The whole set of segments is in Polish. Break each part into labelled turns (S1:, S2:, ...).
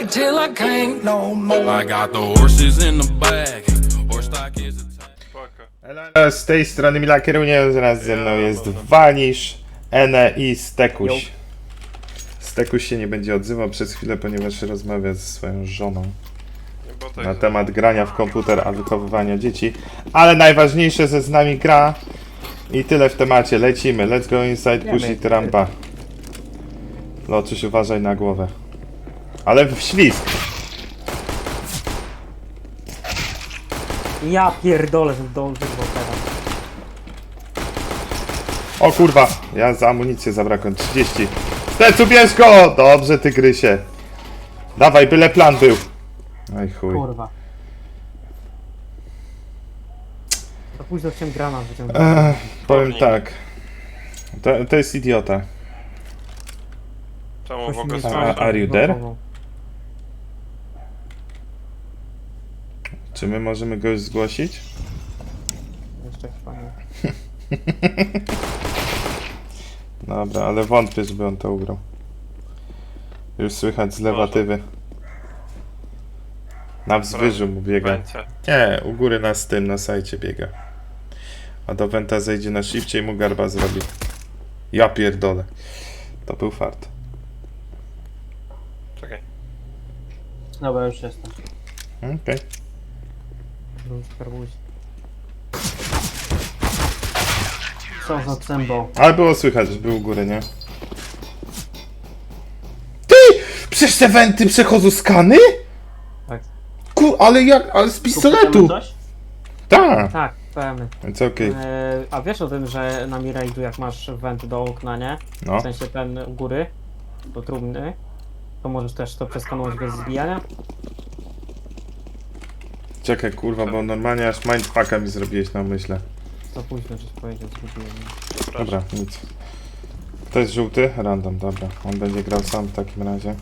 S1: till I can't no more. I got the horses in the back. Horse stock is a
S2: Spoko. Z tej strony Mila Kierunie, zaraz ze mną jest Vanish, Ene i Stekuś. Stekuś się nie będzie odzywał przez chwilę, ponieważ rozmawia ze swoją żoną na temat grania w komputer, a wychowywania dzieci. Ale najważniejsze, że z nami gra i tyle w temacie. Lecimy. Let's go inside, push it, rampa. Loczyś, uważaj na głowę. Ale w ślizg.
S3: Ja pierdolę, że dążył teraz.
S2: O kurwa, ja za amunicję zabrakłem 30. Stecu, bierz go! Dobrze, tygrysie. Dawaj, byle plan był. Aj chuj.
S3: Kurwa. To późno chciałem granat wyciągnąć.
S2: Powiem tak. To jest idiota.
S4: Czemu w ogóle
S3: Ktoś mnie
S4: słyszę?
S2: Are you there?
S3: zblokował.
S2: Czy my możemy go już zgłosić?
S3: Jeszcze chyba nie.
S2: Dobra, ale wątpię, żeby on to ugrał. Już słychać z lewatywy. Na wzwyżu mu biega.
S4: Będzie.
S2: Nie, u góry na tym, na sajcie biega. A do Wenta zejdzie na shifcie i mu garba zrobi. Ja pierdolę. To był fart.
S4: Czekaj.
S3: Dobra, już jestem.
S2: Okej.
S3: Był skarbuś. Co za cembo.
S2: Ale było słychać, że był u góry, nie? Ty! Przecież te Wenty przechodzą skany?
S3: Tak.
S2: Ale jak? Ale z pistoletu!
S3: Coś?
S2: Tak!
S3: Tak, pełny.
S2: Więc okej.
S3: A wiesz o tym, że na Mirage'u jak masz went do okna, nie?
S2: No.
S3: W sensie ten u góry, do trumny, to możesz też to przeskanować bez zbijania?
S2: Czekaj, kurwa, bo normalnie aż mindfucka mi zrobiłeś na myśle.
S3: To późno, żeś powiedział, zgubiłem.
S2: Dobra, nic. Kto jest żółty? Random, dobra. On będzie grał sam w takim razie.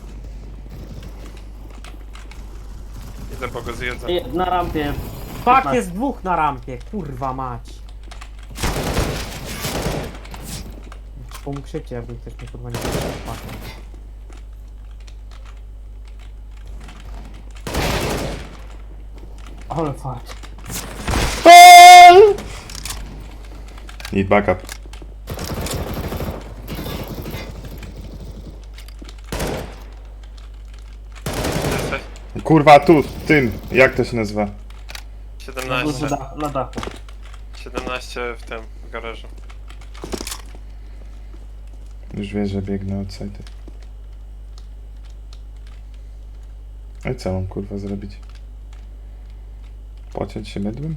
S4: Idę, bo go zjedzę.
S3: Na rampie. Fuck, jest dwóch na rampie, kurwa mać. Pomógł szybciej, jakby ktoś mnie kurwa nie powiedział. Ale fart.
S2: Need backup.
S4: Jesteś?
S2: Kurwa, tu, tym. Jak to się nazywa?
S4: 17.
S3: Na dachu.
S4: 17 w tym, w garażu.
S2: Już wiesz, że biegnę od sajty. A co mam kurwa zrobić? Pociąć się mydłem?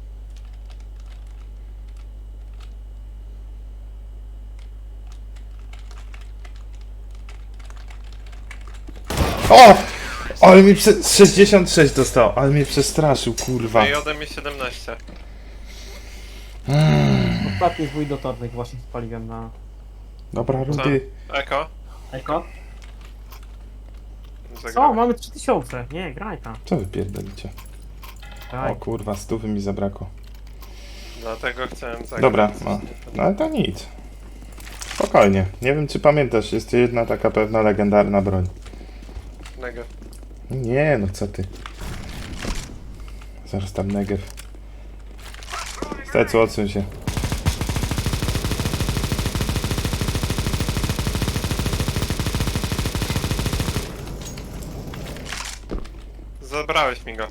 S2: O! Ale mi 66 dostał, ale mnie przestraszył, kurwa.
S4: No i ode mnie 17.
S3: Ostatni zwój dotornych właśnie spaliłem na...
S2: Dobra,
S4: Co?
S2: Rudy.
S4: Eko?
S3: Eko?
S4: Zagraj.
S3: Co? Mamy 3000. Nie, graj tam.
S2: Co wy pierdolicie?
S3: Graj.
S2: O kurwa, 100 mi zabrakło.
S4: Dlatego chciałem zagrać.
S2: Dobra, no ale to nic. Spokojnie. Nie wiem, czy pamiętasz, jest jedna taka pewna legendarna broń.
S4: Negev.
S2: Nie, no co ty. Zaraz tam Negev. Stecu, odsuń się.
S4: Zabrałeś mi go.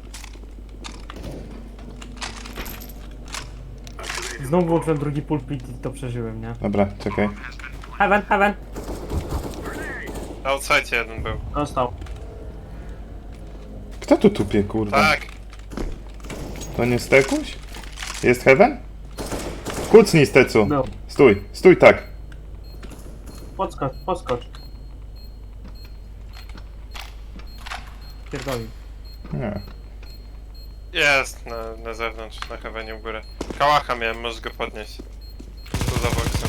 S3: Znowu włączyłem drugi pulpit i to przeżyłem, nie?
S2: Dobra, czekaj.
S3: Heaven, heaven.
S4: Outside jeden był.
S3: Dostał.
S2: Kto tu tupie, kurwa?
S4: Tak!
S2: To nie Stekuś? Jest Heaven? Kucnij, Stecu.
S3: Był.
S2: Stój, stój tak.
S3: Podskocz, podskocz. Pierdoli.
S2: Nie.
S4: Jest na zewnątrz, na heavenie u góry. Kałacha miałem, możesz go podnieść. Tu za boksem.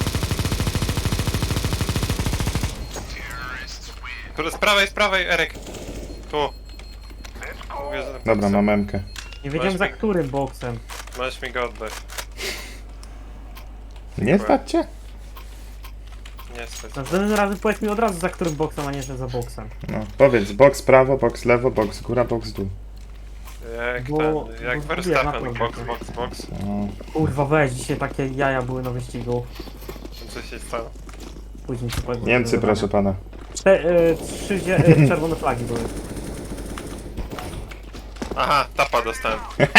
S4: Kurde, z prawej, Eryk. Tu. Mówię, że
S2: Dobra, mam memkę.
S3: Nie wiedziałem za
S4: Masz mi-
S3: którym boksem.
S4: Możesz mi go oddać.
S2: Nie stać cię?
S4: Niestety.
S3: Następnym razem powiedz mi od razu za którym boksem, a nie że za boksem.
S2: No, powiedz, boks prawo, boks lewo, boks góra, boks dół.
S4: Jak
S3: Bo-
S4: jak
S3: bo
S4: Verstappen,
S3: zgubiłem
S4: box,
S3: na
S4: box, box.
S2: No.
S3: Kurwa weź, dzisiaj takie jaja były na wyścigu.
S4: Co się stało?
S3: Później ci powiem.
S2: Niemcy, proszę pana.
S3: Trzy czerwone flagi były.
S4: Aha, tapa dostałem.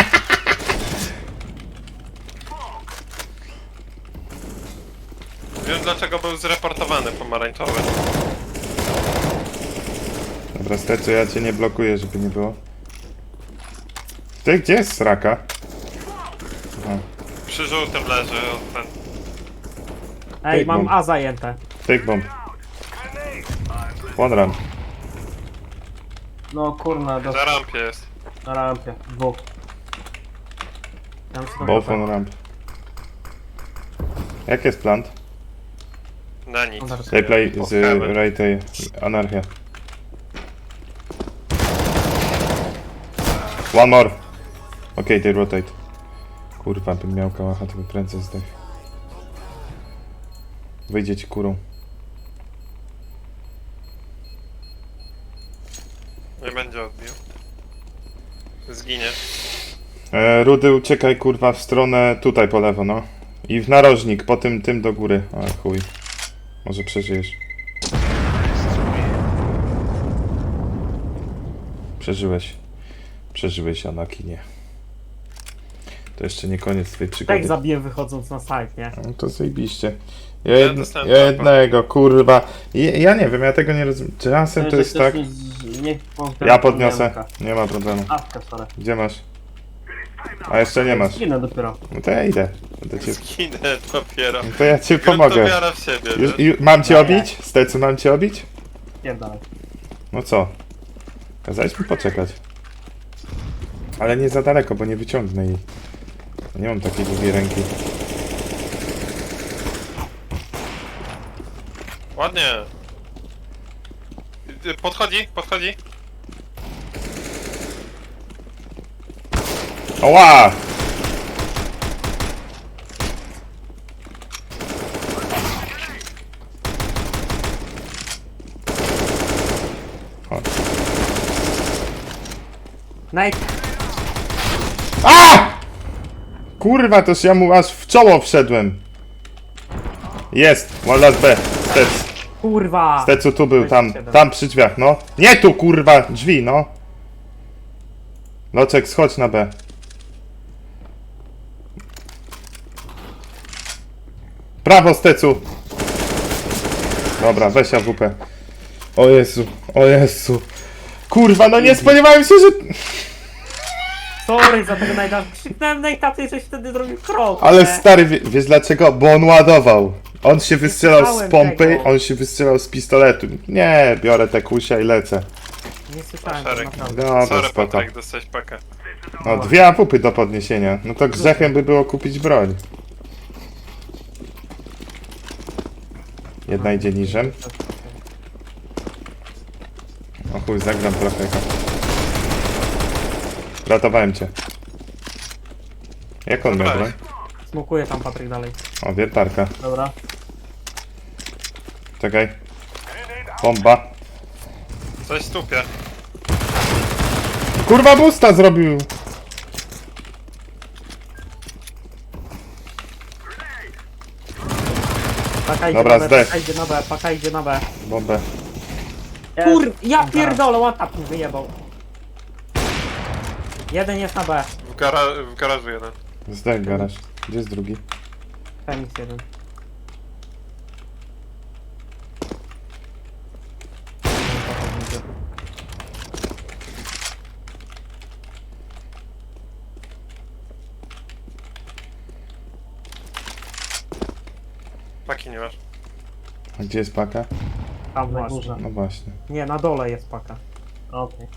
S4: Wiem dlaczego był zreportowany pomarańczowy.
S2: Dobra, Stecu, ja cię nie blokuję, żeby nie było. Ty, gdzie jest sraka?
S4: Przy żółtym leży od ten.
S3: Ej,
S2: Big
S3: mam
S2: bomb.
S3: A zajęte.
S2: Take bomb. One run.
S3: No kurna,
S4: Na rampie jest.
S3: na rampie. Dwóch. Ja muszę to
S2: Both
S3: wybrać.
S2: on ramp. Jak jest plant?
S4: Na nic.
S2: They play
S4: O,
S2: z
S4: heaven.
S2: right anarchia. One more. Okay, they rotate. Kurwa, bym miał kałacha, to by prędzej zdech. Wyjdzie ci kurą.
S4: Nie będzie odbił. Zginie.
S2: Rudy, uciekaj kurwa w stronę tutaj po lewo, no. I w narożnik, po tym do góry. A chuj. Może przeżyjesz. Przeżyłeś. Przeżyłeś, Anakinie. To jeszcze nie koniec twojej przygody.
S3: Tak zabiję wychodząc na site, nie?
S2: No to zajebiście.
S4: dostałem
S2: Ja jednego, kurwa. Ja nie wiem, ja tego nie rozumiem. Czasem to jest tak... Ja podniosę. Nie ma problemu.
S3: Awka, sorry.
S2: Gdzie masz? A jeszcze nie masz.
S3: Zginę dopiero.
S2: No to ja idę. Będę cię...
S4: Zginę dopiero.
S2: No to ja ci
S4: Pomogę.
S2: pomogę.
S4: wiara w siebie,
S2: Mam cię
S3: Nie.
S2: obić? Stecu, mam cię obić?
S3: Pierdalaj.
S2: No co? Kazałeś mi poczekać. Ale nie za daleko, bo nie wyciągnę jej. Nie mam takiej długiej ręki.
S4: Ładnie. Podchodzi, podchodzi.
S2: Oła!
S3: Night.
S2: A! Kurwa, toż ja mu aż w czoło wszedłem. Jest, one last B. Stec.
S3: Kurwa!
S2: Stecu tu był, tam,
S3: 27.
S2: tam przy drzwiach, no. Nie tu, kurwa, drzwi, no. Loczek, schodź na B. Prawo, Stecu. Dobra, weź AWP. O Jezu, o Jezu. Kurwa, no nie spodziewałem się, że...
S3: Sorry za tego Nighta. Krzyknąłem Nighta, ty żeś wtedy zrobił krok.
S2: Ale
S3: nie?
S2: stary, wiesz dlaczego? Bo on ładował. On się wystrzelał z
S3: słyszałem
S2: pompy,
S3: tego.
S2: on się wystrzelał z pistoletu. Nie, biorę te kusia i lecę.
S3: Nie słyszałem tego
S4: Szereg.
S3: naprawdę.
S2: Dobra,
S4: Sorry
S2: spoko.
S4: Patryk, dostałeś pakę.
S2: No, 2 AWP do podniesienia. No to grzechem by było kupić broń. Jedna idzie niżem. O chuj, zagram trochę. Ratowałem cię. Jak on miał broń?
S3: Smokuję tam Patryk dalej.
S2: O, wiertarka.
S3: Dobra.
S2: Czekaj. Bomba.
S4: Coś stupie.
S2: Kurwa, busta zrobił!
S3: Paka idzie
S2: Dobra,
S3: na B,
S2: zdech.
S3: paka idzie na B, paka idzie na B.
S2: Bombę.
S3: Ja pierdolę, łatap mi wyjebał. Jeden jest na B.
S4: W garażu jeden.
S2: Zdech garaż. Gdzie jest drugi?
S3: Fenix jeden.
S4: Paki nie masz.
S2: A gdzie jest paka?
S3: Tam na górze.
S2: No właśnie.
S3: Nie, na dole jest paka. Okej.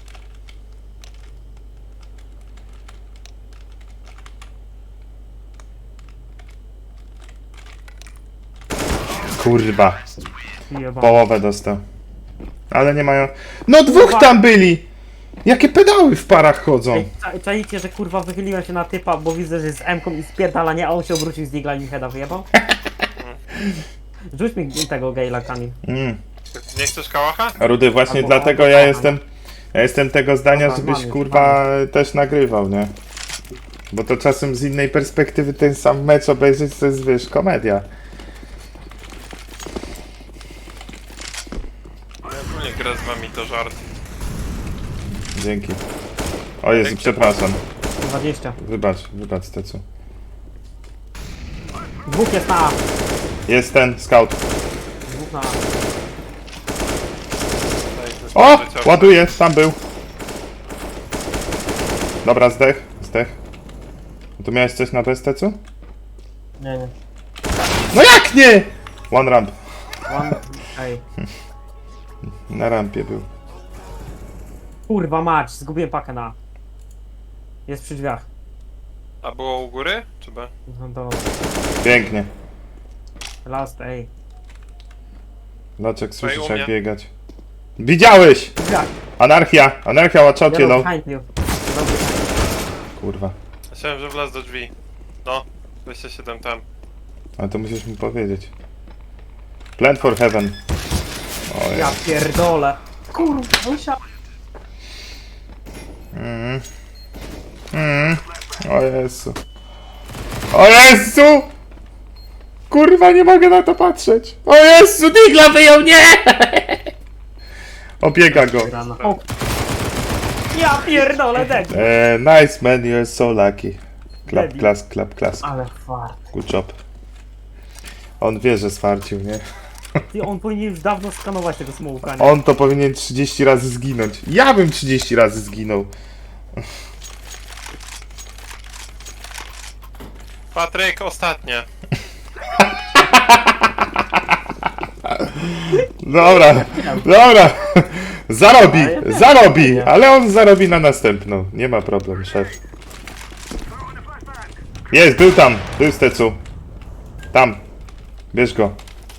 S2: Kurwa.
S3: Jebał.
S2: Połowę dostał. Ale nie mają... No dwóch tam byli! Jakie pedały w parach chodzą?
S3: Ej, czajcie, że kurwa wychyliłem się na typa, bo widzę, że jest z M-ką i spierdala, nie, a on się obrócił z digla i mi heada wyjebał? Rzuć mi tego Gale'a, Kamil.
S4: Nie chcesz kałacha?
S2: Rudy, właśnie
S3: Albo-
S2: dlatego
S3: albo
S2: ja
S3: kocham.
S2: jestem tego zdania,
S3: Dobra,
S2: żebyś
S3: mamy,
S2: kurwa też nagrywał, nie? Bo to czasem z innej perspektywy ten sam mecz obejrzeć to jest, wiesz, komedia.
S4: Ja nie gra z wami, to żart.
S2: Dzięki. O Jezu, przepraszam.
S3: 20.
S2: Wybacz Tecu.
S3: Dwóch jest na A.
S2: Jest ten, scout.
S3: Dwóch na A.
S2: O! Ładuje, tam był. Dobra, zdech. Tu miałeś coś na bez, Tecu?
S3: Nie.
S2: No jak nie? One ramp.
S3: Ej.
S2: Na rampie był.
S3: Kurwa mać, zgubiłem pakę na A. Jest przy drzwiach.
S4: A było u góry? Czy B?
S3: No to...
S2: Pięknie.
S3: Last, ej.
S2: Loczek, słyszysz
S4: u mnie.
S2: jak biegać. Widziałeś!
S3: Drzwiach.
S2: Anarchia, watch out,
S3: Yellow
S2: yellow.
S3: behind you. Dobry.
S2: Kurwa.
S4: Myślałem, że wlazł do drzwi. No, 27 tam.
S2: Ale to musisz mi powiedzieć. Plant for heaven. O
S3: Ja
S2: ja.
S3: pierdolę. Kurwa, musiał...
S2: O Jezu. O Jezu! Kurwa, nie mogę na to patrzeć. O Jezu, Digla wyjął, nie! Obiega go.
S3: O. Ja pierdolę, dead.
S2: Nice man, you're so lucky.
S3: Debil.
S2: Clap.
S3: Ale fart.
S2: Good job. On wie, że swarcił, nie?
S3: Ty, on powinien już dawno skanować tego smołka, nie?
S2: On to powinien 30 razy zginąć. Ja bym 30 razy zginął.
S4: Patryk, ostatnie.
S2: Dobra. Zarobi, ale on zarobi na następną. Nie ma problemu, szef. Jest, był z Tecu. Tam. Bierz go.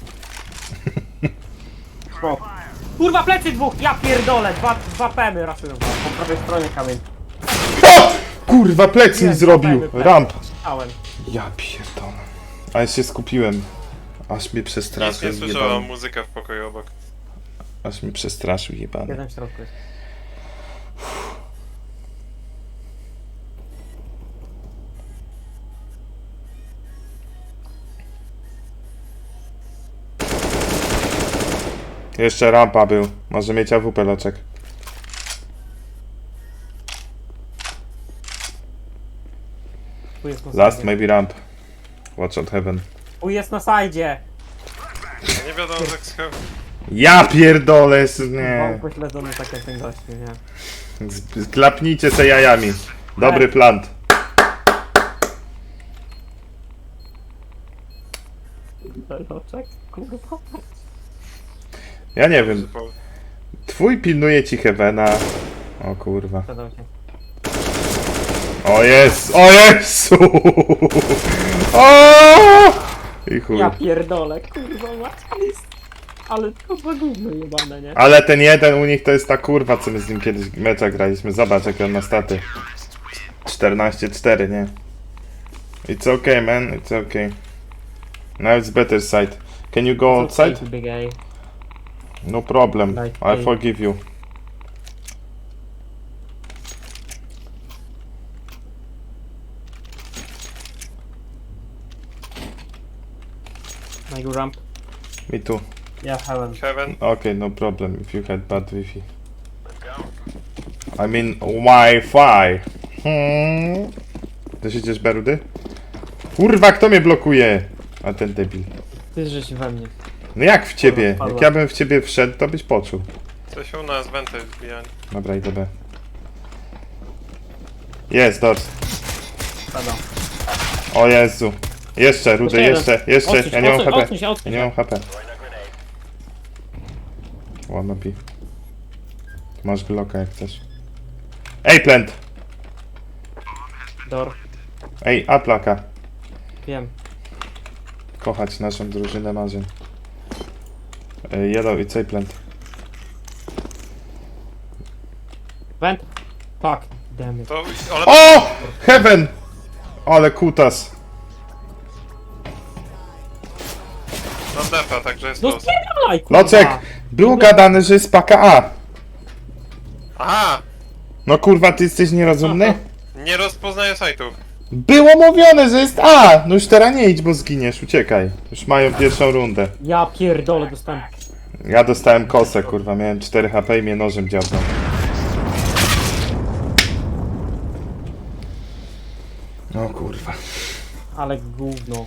S3: Kurwa, plecy dwóch! Ja pierdolę! Dwa pemy raszują. Po prawej stronie kamień.
S2: O! Kurwa, plec mi
S3: Jest,
S2: zrobił.
S3: pemy.
S2: Ramp.
S3: Czytałem.
S2: Ja pierdolę. Ale się skupiłem. Aż mnie
S4: Nic
S2: przestraszył,
S4: nie słyszałem,
S2: jebany.
S4: muzyka w pokoju obok.
S2: Aż mnie przestraszył, jebany.
S3: Jeden w środku jest.
S2: Jeszcze rampa był. Może mieć AWP, Loczek.
S3: Tu jest na
S2: Last
S3: sajdzie.
S2: maybe ramp. Watch out heaven.
S3: Tu jest na sajdzie!
S4: No nie wiadomo, jak schowam.
S2: Ja pierdolę,
S3: Był
S2: nie.
S3: pośledzony tak jak ten gościu, nie?
S2: Klapnijcie se jajami. Dobry plant.
S3: Loczek? Kurwa.
S2: Ja nie wiem. Twój pilnuje ci heavena. O kurwa.
S3: Sprzedał się.
S2: O jest! O Jezu! O! I chuj.
S3: Ja pierdolę, kurwa mać. Ale to za gówno jebane, nie?
S2: Ale ten jeden u nich to jest ta kurwa, co my z nim kiedyś mecza graliśmy. Zobacz, jak on ma staty. 14-4, nie? It's okay, man. It's okay. Now it's better side. Can you go outside?
S3: Big A.
S2: No problem.
S3: Like
S2: I
S3: A.
S2: forgive you.
S3: I go ramp.
S2: Me too.
S3: Yeah, heaven.
S4: Heaven.
S2: Okay, no problem if you had bad Wi-Fi. I mean Wi-Fi. Ty siedzisz, Berudy? Kurwa, kto mnie blokuje? A ten debil.
S3: Ty żeś we mnie.
S2: No jak w ciebie?
S3: Kurwa,
S2: Jak ja bym w ciebie wszedł, to byś poczuł.
S4: Coś u nas, wenty wbijanie.
S2: Dobra, idę B. Jest, doors.
S3: Spadał.
S2: O Jezu. Jeszcze, Rudy, jeszcze.
S3: Odsuń
S2: Ja nie mam
S3: się,
S2: HP.
S3: odsuń się, odsuń
S2: Ja nie
S3: się.
S2: mam HP. Wannabe. Masz bloka jak chcesz. Ej, plant!
S3: Door.
S2: Ej, aplaka.
S3: Wiem.
S2: Kochać naszą drużynę marzeń. Yellow i C plant.
S3: Vent. Fuck. Damn it.
S4: To, ale
S2: O! Heaven! Ale kutas.
S4: mam def. defa, także jest
S3: No
S4: luz.
S3: spierdalaj, kurwa.
S2: Locek, było gadane, że jest paka A.
S4: Aha!
S2: No kurwa, ty jesteś nierozumny?
S4: Nie rozpoznaję sajtów.
S2: Było mówione, że jest A! No już teraz nie idź, bo zginiesz, uciekaj. Już mają pierwszą rundę.
S3: Ja pierdolę, dostałem.
S2: Ja dostałem kosę, kurwa, miałem 4 HP i mnie nożem dziabnął. No kurwa.
S3: Ale gówno.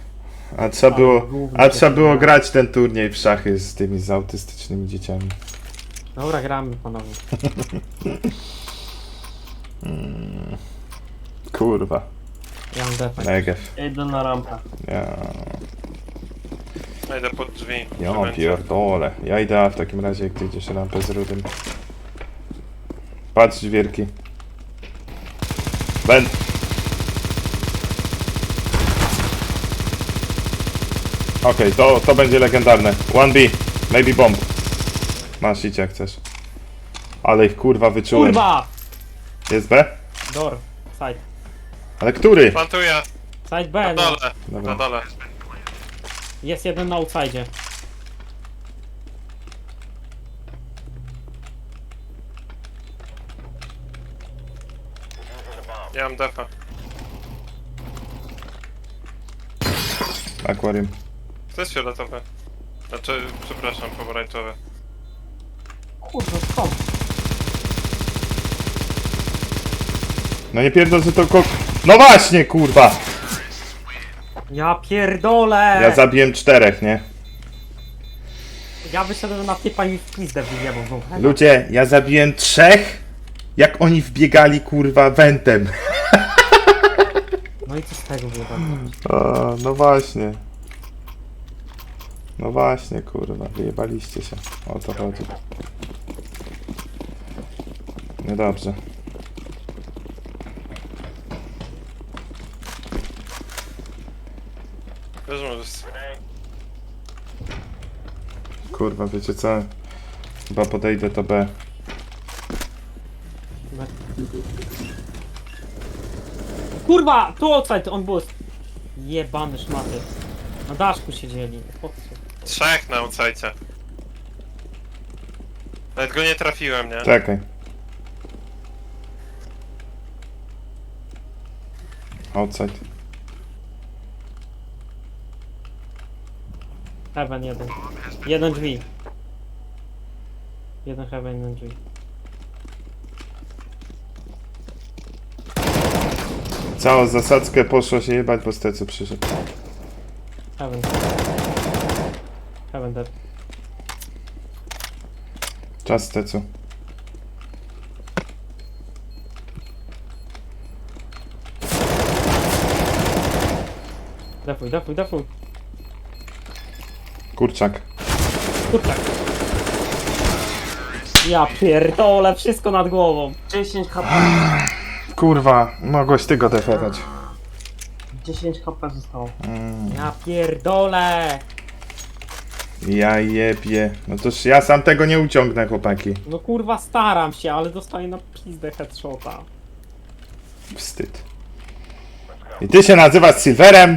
S2: A trzeba było grać ten turniej w szachy z tymi z autystycznymi dzieciami.
S3: Dobra, gramy panowie.
S2: Kurwa.
S3: Ja mam defekt.
S2: Negev.
S5: Idę na rampę.
S4: Ja idę pod drzwi.
S2: Ja
S4: Będzie.
S2: pierdolę. Ja idę A w takim razie, jak ty idziesz rampę z rudym. Patrz dźwierki. Ben. Okej, to będzie legendarne. 1B. Maybe bomb. Masz idź jak chcesz. Ale ich kurwa wyczułem.
S3: Kurwa!
S2: Jest B?
S3: Door. Side.
S2: Ale który?
S4: Plantuję.
S3: Side
S4: Na
S3: B, no.
S4: dole.
S2: Dobra.
S4: Na dole.
S3: Jest jeden na outside.
S4: Ja mam defa.
S2: Akwarium.
S4: To jest fioletowe. Znaczy, przepraszam, pomarańczowe.
S3: Kurwa, skąd?
S2: No nie pierdol, że to No właśnie, kurwa!
S3: Ja pierdolę!
S2: Ja zabiłem 4, nie?
S3: Ja wyszedłem na typa i w pizdę wyjebał znowu.
S2: Ludzie, ja zabiłem 3, jak oni wbiegali, kurwa, wentem.
S3: No i co z tego wyjebał?
S2: No właśnie. No właśnie, kurwa, wyjebaliście się. O to chodzi. Niedobrze.
S4: Wiesz, możesz...
S2: Kurwa, wiecie co? Chyba podejdę to B.
S3: Kurwa! Tu outside, on był. Jebany szmaty. Na daszku siedzieli. Po co?
S4: 3 na outside. Nawet go nie trafiłem, nie?
S2: Czekaj. Outside.
S3: Heaven jeden. Jeden drzwi. Jeden heaven, jeden drzwi.
S2: Całą zasadzkę poszło się jebać, bo stecu przyszedł.
S3: Heaven. Heaven dead.
S2: Czas stecu.
S3: Defuj, defuj, defuj.
S2: Kurczak.
S3: Kurczak. Ja pierdolę, wszystko nad głową.
S5: 10 HP.
S2: Kurwa, mogłeś ty go defewać.
S5: 10 HP zostało.
S3: Ja pierdolę.
S2: Ja jebie. No toż ja sam tego nie uciągnę, chłopaki.
S3: No kurwa staram się, ale dostaję na pizdę headshota.
S2: Wstyd. I ty się nazywasz Silverem?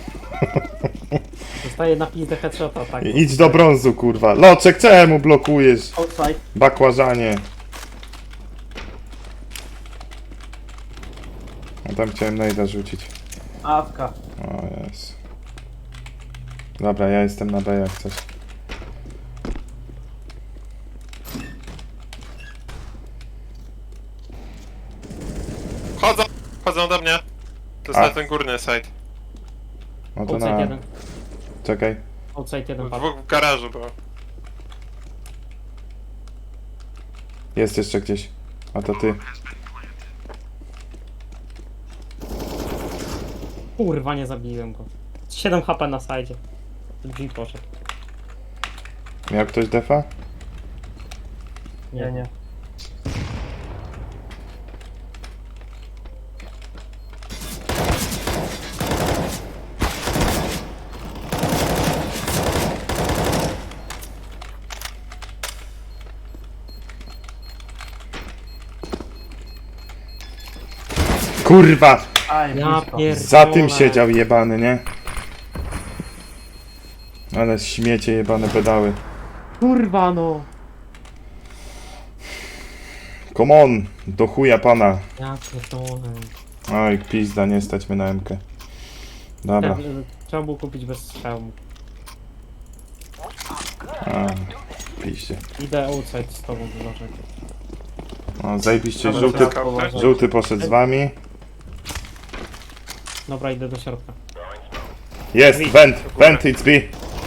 S3: Dostaję na pizdę headshota, tak.
S2: Idź do brązu, kurwa. Loczek, czemu blokujesz?
S5: Outside.
S2: Bakłażanie. No tam chciałem najda rzucić.
S5: Awka.
S2: O jest. Dobra, ja jestem na B jak coś.
S4: Chodzą! Chodzą do mnie! To jest
S2: A.
S4: na ten górny side.
S2: No to
S3: Outside
S2: na...
S3: jeden.
S2: Czekaj.
S3: Outside jeden padł.
S4: Dwóch w garażu było.
S2: Jest jeszcze gdzieś. A to ty.
S3: Kurwa, nie zabiłem go. 7 HP na sajdzie. Drzwi poszedł.
S2: Miał ktoś defa?
S5: Nie, nie.
S2: Kurwa!
S5: Aj,
S3: Ja
S5: blisko.
S3: pierdolę.
S2: Za tym siedział jebany, nie? Ale śmiecie jebane pedały.
S3: Kurwa no.
S2: Come on, do chuja pana.
S3: Ja pierdolę.
S2: Oj, pizda, nie stać mnie na MK. Dobra.
S3: Trzeba było kupić bez strzału.
S2: A, piździe.
S3: Idę outside z tobą wylożek.
S2: O, zajebiście,
S3: Dobra,
S2: żółty,
S3: trzeba położyć.
S2: żółty poszedł z wami.
S3: Dobra, idę do środka.
S2: Jest, vent, it's B.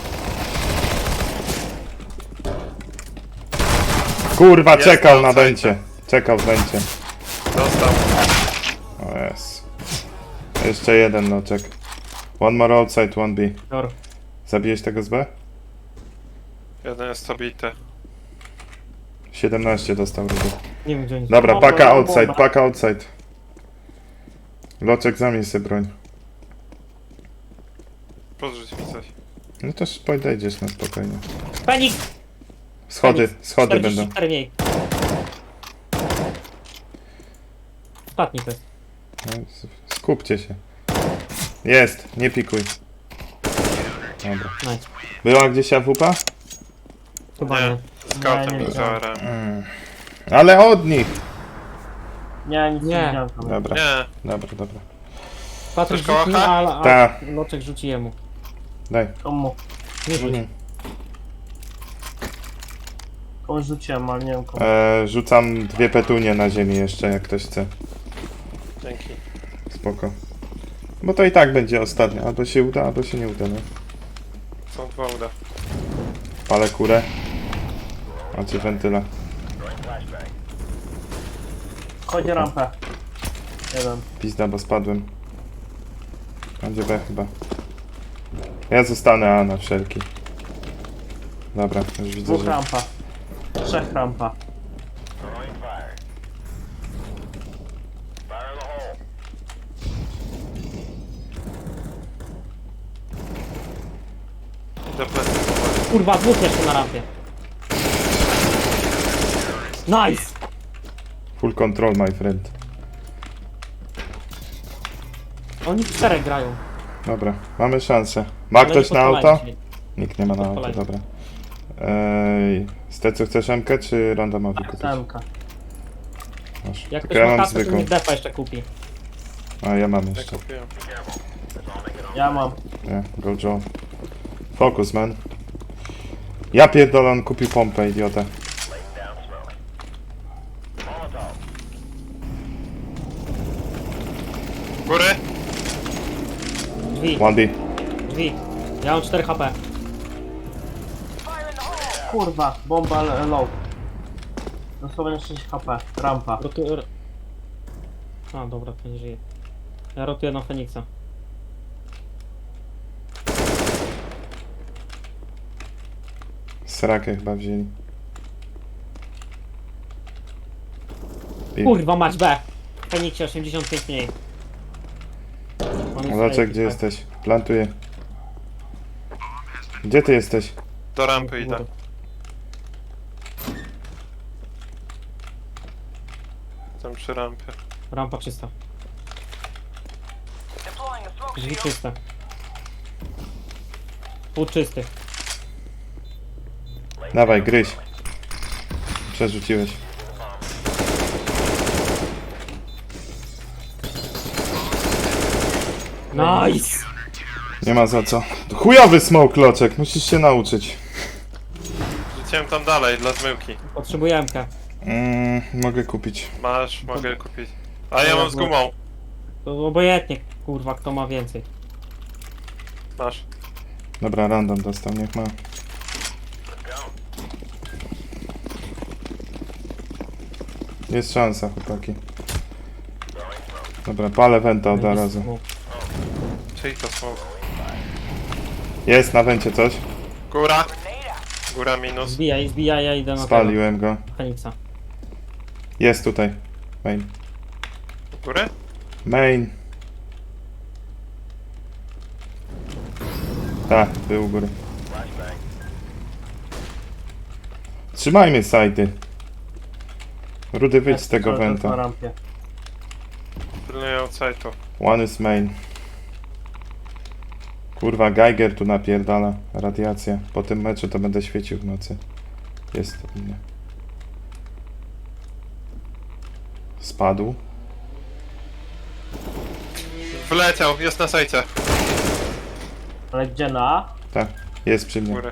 S2: Kurwa,
S4: Jest
S2: czekał na
S4: outside.
S2: węcie. Czekał w węcie.
S4: Dostał.
S2: O jest. Jeszcze jeden noczek. One more outside, one B.
S3: Dobra.
S2: Zabiłeś tego z B?
S4: Jeden jest obity.
S2: 17 dostał rudy.
S3: Nie wiem gdzie oni są.
S2: Dobra,
S3: Bomba,
S2: paka
S3: bomba,
S2: outside,
S3: bomba.
S2: paka outside. Loczek, zamień sobie broń.
S4: Podrzuć mi coś.
S2: No to podejdziesz na spokojnie.
S3: Feniks!
S2: Schody,
S3: Feniks.
S2: schody będą.
S3: 44 mniej. Ostatni to jest.
S2: No, skupcie się. Jest, nie pikuj. Dobra.
S3: Nice.
S2: Była gdzieś AWP?
S3: Chyba nie.
S4: Nie. Scoutem
S5: Nie,
S4: i
S5: nie
S4: zaorem.
S2: Ale od nich!
S5: Nie, nic nie
S3: Nie.
S5: widziałem tam.
S2: Dobra,
S4: Nie.
S2: dobra.
S3: Patryk
S4: Chcesz
S3: rzuci,
S4: kołacha?
S3: a
S2: Ta.
S3: Loczek rzuci jemu.
S2: Daj.
S5: Komu?
S3: Nie rzuć.
S2: Mhm.
S5: Komuś rzuciłem, ale nie wiem komu.
S2: Rzucam 2 petunie na ziemi jeszcze, jak ktoś chce.
S4: Dzięki.
S2: Spoko. Bo to i tak będzie ostatnie. Albo się uda, albo się nie uda, no.
S4: Są dwa uda.
S2: Palę kurę. Macie wentyla.
S5: Chodzi rampę. Jeden.
S2: Pizda, bo spadłem. Będzie B chyba. Ja zostanę A na wszelki. Dobra, już widzę,
S5: Dwóch
S2: że...
S5: rampa. Trzech rampa.
S4: Do plecy powoli.
S3: Kurwa, dwóch jeszcze na rampie. Nice!
S2: Full control, my friend.
S3: Oni w czterech grają.
S2: Dobra, mamy szansę. Ma
S3: Ale
S2: ktoś
S3: nie
S2: na
S3: podpalają
S2: auto?
S3: się.
S2: Nikt nie ma na auto,
S3: Podpalają.
S2: dobra. Stecu, chcesz MK czy randomowy kupić?
S5: Semka.
S2: Masz.
S3: Jak
S2: Tylko
S3: ktoś
S2: ja
S3: ma
S2: mam
S3: kasę, to
S2: zwykłą.
S3: niech defa jeszcze kupi.
S2: A ja mam
S4: Ja
S2: jeszcze.
S4: kupiłem.
S5: Ja mam.
S2: Nie, go Joe. Focus, man. Ja pierdolę, on kupił pompę, idiota.
S4: Góry?
S3: Drzwi,
S2: 1D.
S3: drzwi. Ja mam 4 HP.
S5: Kurwa, bomba low. Dosłownie 6 HP. Rampa.
S3: A, dobra, to nie żyje. Ja rotuję na Feniksa.
S2: Srakę chyba wzięli. I-
S3: Kurwa, mać B! Feniksie 85 mniej. Mamy
S2: Zobaczę,
S3: strajki,
S2: gdzie
S3: tak.
S2: jesteś. Plantuję. Gdzie ty jesteś?
S4: Do rampy idę. Tam przy rampie.
S3: Rampa czysta. Drzwi czyste. Pół czysty.
S2: Dawaj, gryź. Przerzuciłeś.
S3: Nice!
S2: Nie ma za co. Chujowy smoke, Loczek. Musisz się nauczyć.
S4: Rzuciłem tam dalej, dla zmyłki.
S3: Potrzebuję MK.
S2: Mogę kupić.
S4: Masz, mogę kupić. A ja mam z gumą.
S3: To obojętnie, kurwa, kto ma więcej.
S4: Masz.
S2: Dobra, random dostał, niech ma. Jest szansa, chłopaki. Dobra, palę wenta od razu.
S4: Czyli to smoke.
S2: Jest na wencie coś.
S4: Góra. Góra minus.
S3: Zbijaj, ja idę na tego
S2: Spaliłem go.
S3: Feniksa.
S2: Jest tutaj. Main.
S4: Góry?
S2: Main. Tak, był u góry. Trzymajmy sajty. Rudy, wyjdź z tego
S5: Cały czas Na
S2: wenta.
S5: rampie.
S4: Pilnuję outside'u.
S2: One is main. Kurwa, Geiger tu napierdala. Radiacja. Po tym meczu to będę świecił w nocy. Jest u mnie. Spadł.
S4: Wleciał, jest na sajcie.
S5: Ale gdzie na?
S2: Tak, jest przy mnie.
S4: Górę.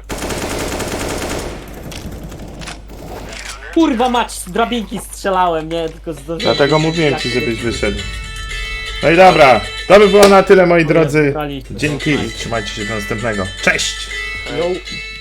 S3: Kurwa mać, z drabinki strzelałem, nie? Tylko zdążyłem.
S2: Dlatego mówiłem ci, żebyś wyszedł. No i dobra, to by było na tyle, moi drodzy. Dzięki i trzymajcie się do następnego. Cześć!
S3: Yo.